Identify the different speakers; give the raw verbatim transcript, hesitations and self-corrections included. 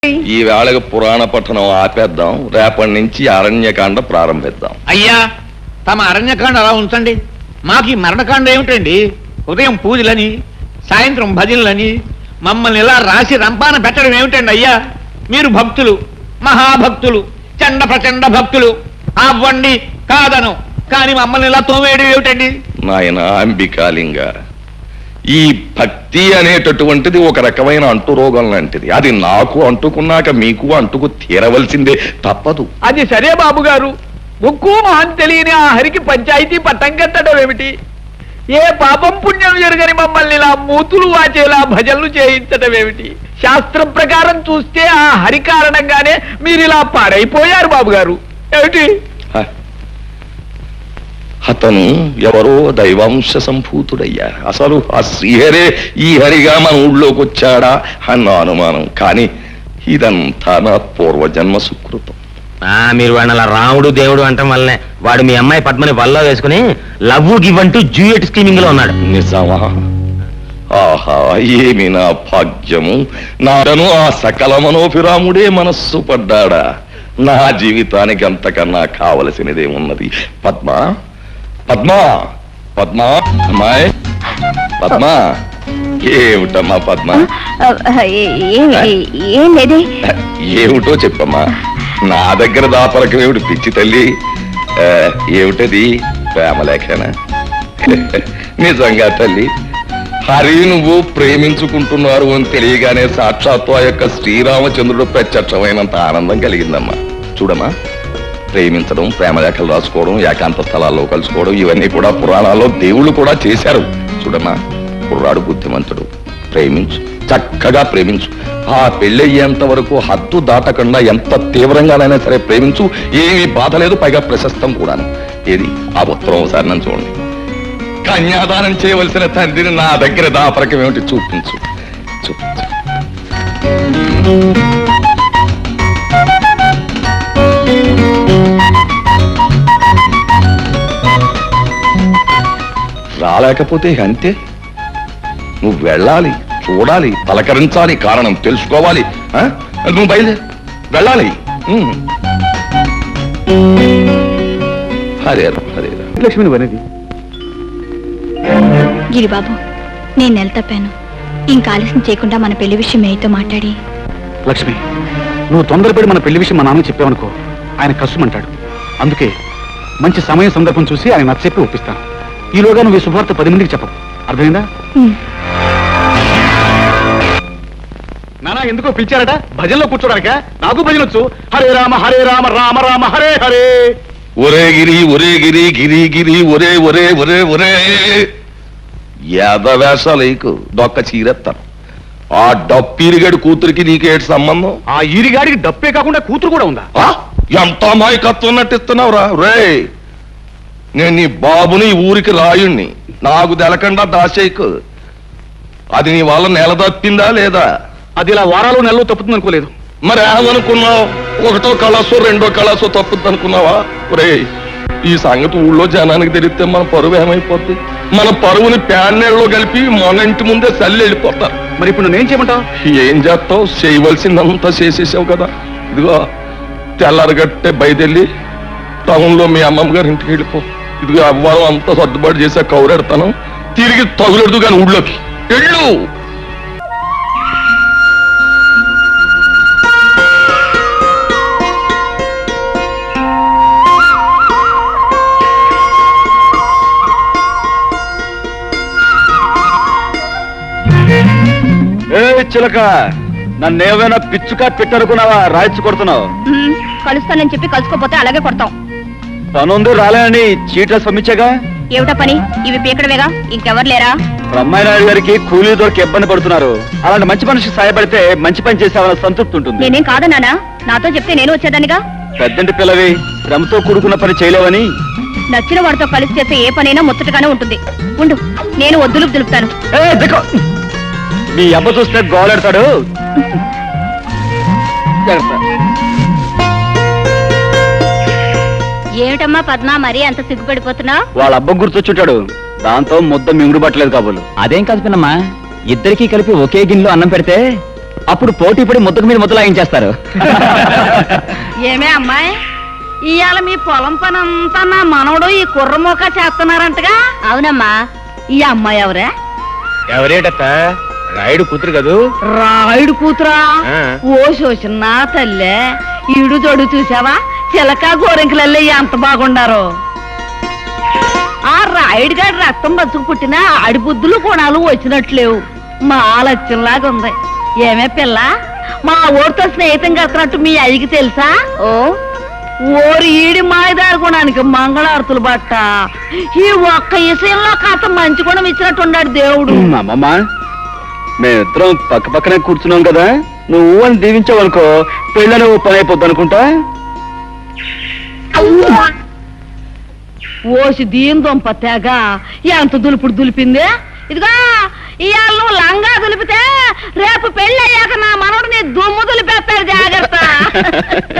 Speaker 1: ఈ వేళకి పురాణ పఠనం ఆపేద్దాం, రేపటి నుంచి అరణ్యకాండ ప్రారంభిద్దాం.
Speaker 2: అయ్యా, తమ అరణ్యకాండ అలా ఉంచండి. మాకు ఈ మరణకాండ ఏమిటండి? ఉదయం పూజలని, సాయంత్రం భజనలని మమ్మల్ని ఇలా రాసి రంపాన పెట్టడం ఏమిటండి అయ్యా? మీరు భక్తులు, మహాభక్తులు, చండ ప్రచండ భక్తులు. అవ్వండి కాదను, కానీ మమ్మల్ని ఇలా తోమేయడం ఏమిటండి?
Speaker 1: నాయన అంబికాలింగ, ఈ భక్తి అనేటటువంటిది ఒక రకమైన అంటురోగం లాంటిది. అది నాకు అంటుకున్నాక మీకు అంటుకు తీరవలసిందే, తప్పదు.
Speaker 3: అది సరే బాబు గారు, ముక్కు మహం తెలియని ఆ హరికి పంచాయతీ పట్టం కట్టడం ఏమిటి? ఏ పాపం పుణ్యం జరగని మమ్మల్ని ఇలా మూతులు వాచేలా భజనలు చేయించడం ఏమిటి? శాస్త్రం ప్రకారం చూస్తే ఆ హరి కారణంగానే మీరు ఇలా పాడైపోయారు బాబు గారు. ఏమిటి?
Speaker 1: అతను ఎవరో దైవాంశ సంభూతుడయ్యా. అసలు ఆ శ్రీహరే ఈ హరిగా మన ఊళ్ళోకి వచ్చాడా అన్న అనుమానం. కానీ ఇదంతా నా పూర్వజన్మ సుకృతం.
Speaker 4: మీరు వాడిని అలా రాముడు దేవుడు అంటాం వల్లనే వాడు మీ అమ్మాయి పద్మని వల్ల వేసుకుని లవ్ గివ్ అంటూ డ్యూయట్ స్కీమింగ్ లో ఉన్నాడు.
Speaker 1: నిజమా? ఆహా, ఏమి నా భాగ్యము! నాను ఆ సకల మనోభిరాముడే మనస్సు పడ్డాడా? నా జీవితానికి అంతకన్నా కావలసినదేమున్నది? పద్మ, పద్మా, పద్మా, అమ్మాయి పద్మా. ఏమిటమ్మా పద్మ? ఏమిటో చెప్పమ్మా. నా దగ్గర దాపరకం ఏమిటి పిచ్చి తల్లి? ఏమిటది? ప్రేమలేఖనా? నిజంగా తల్లి, హరి నువ్వు ప్రేమించుకుంటున్నారు అని తెలియగానే సాక్షాత్తు ఆ యొక్క శ్రీరామచంద్రుడు ప్రత్యక్షమైనంత ఆనందం కలిగిందమ్మా. చూడమ్మా, ప్రేమించడం, ప్రేమలేఖలు రాసుకోవడం, ఏకాంత స్థలాల్లో కలుసుకోవడం, ఇవన్నీ కూడా పురాణాల్లో దేవుళ్ళు కూడా చేశారు. చూడమ్మా, కుర్రాడు బుద్ధిమంతుడు, ప్రేమించు, చక్కగా ప్రేమించు. ఆ పెళ్ళయ్యేంత వరకు హద్దు దాటకుండా ఎంత తీవ్రంగానైనా సరే ప్రేమించు. ఏమీ బాధ లేదు, పైగా ప్రశస్తం కూడాను. ఏది ఆ ఉత్తరం ఒకసారి నన్ను చూడండి. కన్యాదానం చేయవలసిన తండ్రిని నా దగ్గర దాపరకం ఏమిటి? చూపించు, చూపించు. రాలేకపోతే అంతే. నువ్వు వెళ్ళాలి, చూడాలి, పలకరించాలి, కారణం తెలుసుకోవాలి. నువ్వు బయలుదేరి వెళ్ళాలి. హరే హరే.
Speaker 3: లక్ష్మిని వనది.
Speaker 5: గిరిబాబు, నేను నెల తప్పాను. ఇంకా ఆలస్యం చేయకుండా మన పెళ్లి విషయం మేయతో మాట్లాడి.
Speaker 3: లక్ష్మి, నువ్వు తొందరపడి మన పెళ్లి విషయం మా నాన్నకి చెప్పావనుకో, ఆయన కష్టమంటాడు. అందుకే మంచి సమయం సందర్భం చూసి ఆయన నచ్చ చెప్పి ఒప్పిస్తాను. ఈలోగా నువ్వు ఈ శుభవార్త పది మందికి చెప్పవు, అర్థమైందా? నానా ఎందుకో పిలిచారట? భజనలో కూర్చోడానిక? నాకు భజన వచ్చు. హరే రామ హరే రామ రామ రామ హరే హరే.
Speaker 1: ఒరే గిరి, ఒరే గిరి, గిరి గిరి, ఒరే ఒరే ఒరే ఒరే. యాదవేషాలకు దొక్క చీరెత్తాను. ఆ డప్పిరిగాడి కూతురికి నీకేటి సంబంధం?
Speaker 3: ఆ ఈరిగాడికి డప్పే కాకుండా కూతురు కూడా ఉందా?
Speaker 1: ఎంత అమాయకత్వం నటిస్తున్నావురా రే. నేను నీ బాబుని ఊరికి రాయుణ్ణి, నాకు తెలకుండా దాసేకు. అది నీ వల్ల నెల తప్పిందా లేదా?
Speaker 3: అది ఇలా వారాలు నెలలో తప్పుతుంది అనుకోలేదు.
Speaker 1: మరి ఏమనుకున్నావు? ఒకటో కళాసో రెండో కళాసో తప్పుద్ది అనుకున్నావా? రే, ఈ సంగతి ఊళ్ళో జనానికి తెలిస్తే మన పరువు ఏమైపోద్ది? మన పరువుని ప్యాన్నెళ్ళలో కలిపి మన ఇంటి ముందే చల్లి వెళ్ళిపోతారు.
Speaker 3: మరి ఇప్పుడు నేనేం చేయమంటావు?
Speaker 1: ఏం చేస్తావు? చేయవలసిందంతా చేసేసావు కదా. ఇదిగో తెల్లారగట్టే బయదెళ్ళి టౌన్ లో మీ అమ్మమ్మ గారి ఇంటికి వెళ్ళిపో. ఇదిగో అవ్వాలం అంతా సర్దుబాటు చేసా, కౌరెడతాను. తిరిగి తగులెడదు కానీ ఊళ్ళోకి వెళ్ళు.
Speaker 3: ఏ చిలక, నన్నేమైనా పిచ్చుకా పెట్టనుకున్నావా? రాయిచ్చు కొడుతున్నావు.
Speaker 5: కలుస్తానని చెప్పి కలుసుకోపోతే అలాగే కొడతాం.
Speaker 3: పనుంది రాలేని చీట్ల సమ్మిచ్చగా.
Speaker 5: ఏమిటా పని? ఇవి పీకడమేగా, ఇంకెవరు లేరా?
Speaker 3: బ్రహ్మాయినాయుడు గారికి కూలీ దొరికి ఇబ్బంది పడుతున్నారు. అలాంటి మంచి మనిషికి సాయపడితే మంచి పని చేసేవాళ్ళ సంతృప్తి ఉంటుంది.
Speaker 5: నేనేం కాదన్నానా? నాతో చెప్తే నేను వచ్చేదానిగా.
Speaker 3: పెద్దంటి పిల్లవి, శ్రమతో కూడుకున్న పని చేయలేవని.
Speaker 5: నచ్చిన వాడితో కలిసి చేసే ఏ పనైనా ముచ్చటగానే ఉంటుంది. ఉండు, నేను వద్దులు దులుపుతాను.
Speaker 3: మీ అబ్బ చూస్తే గోలెడతాడు.
Speaker 5: ఏమిటమ్మా పద్మ, మరీ అంత సిగ్గుపడిపోతున్నా?
Speaker 3: వాళ్ళ అబ్బ గుర్తొచ్చుంటాడు, దాంతో ముద్ద మింగుడు పట్టలేదు కాబోలు.
Speaker 4: అదేం కాదు పిన్నమ్మా, ఇద్దరికీ కలిపి ఒకే గిన్నెలో అన్నం పెడితే
Speaker 6: అప్పుడు పోటీ పడి ముద్దకు మీద ముద్దలాగించేస్తారు.
Speaker 7: ఏమే అమ్మాయి, ఇవాళ మీ పొలం పని అంతా నా మనవడు ఈ కుర్రమోక చేస్తున్నారంటగా? అవునమ్మా. ఈ అమ్మాయి ఎవరే?
Speaker 4: ఎవరేటత్త రాయుడు కూతురు కదూ?
Speaker 7: రాయుడు కూతురా?
Speaker 4: ఆ.
Speaker 7: ఓ శోషన్న తల్లే, ఈడు జోడు చూసావా? చిలక గోరెంకలల్లే ఎంత బాగుండారో. ఆ రాయుడు గారి రక్తం బతుకు పుట్టిన ఆడి బుద్ధులు గుణాలు వచ్చినట్లేవు. మా లక్ష్యంలాగా ఉంది. ఏమే పిల్ల, మా ఊరితో స్నేహితం కడుతున్నట్టు మీ అయ్యకి తెలుసా? ఓ ఓరి ఈడి మాయదారి గుణానికి మంగళారతులు బట్ట. ఈ ఒక్క విషయంలో కాస్త మంచి గుణం ఇచ్చినట్టున్నాడు దేవుడు.
Speaker 6: అమ్మమ్మ, మేమిద్దరం పక్క పక్కనే కూర్చున్నాం కదా, నువ్వు అని దీవించావనుకో పెళ్ళని ఓ పని అయిపోద్ది అనుకుంటా.
Speaker 7: ఓసి దీని దొంప తెగ ఎంత దులుపుడు దులిపిందే. ఇదిగో ఇవాళ నువ్వు లంగా దులిపితే రేపు పెళ్ళి అయ్యాక నా మనవడు నీ దుమ్ము దులిపేస్తాడు, జాగ్రత్త.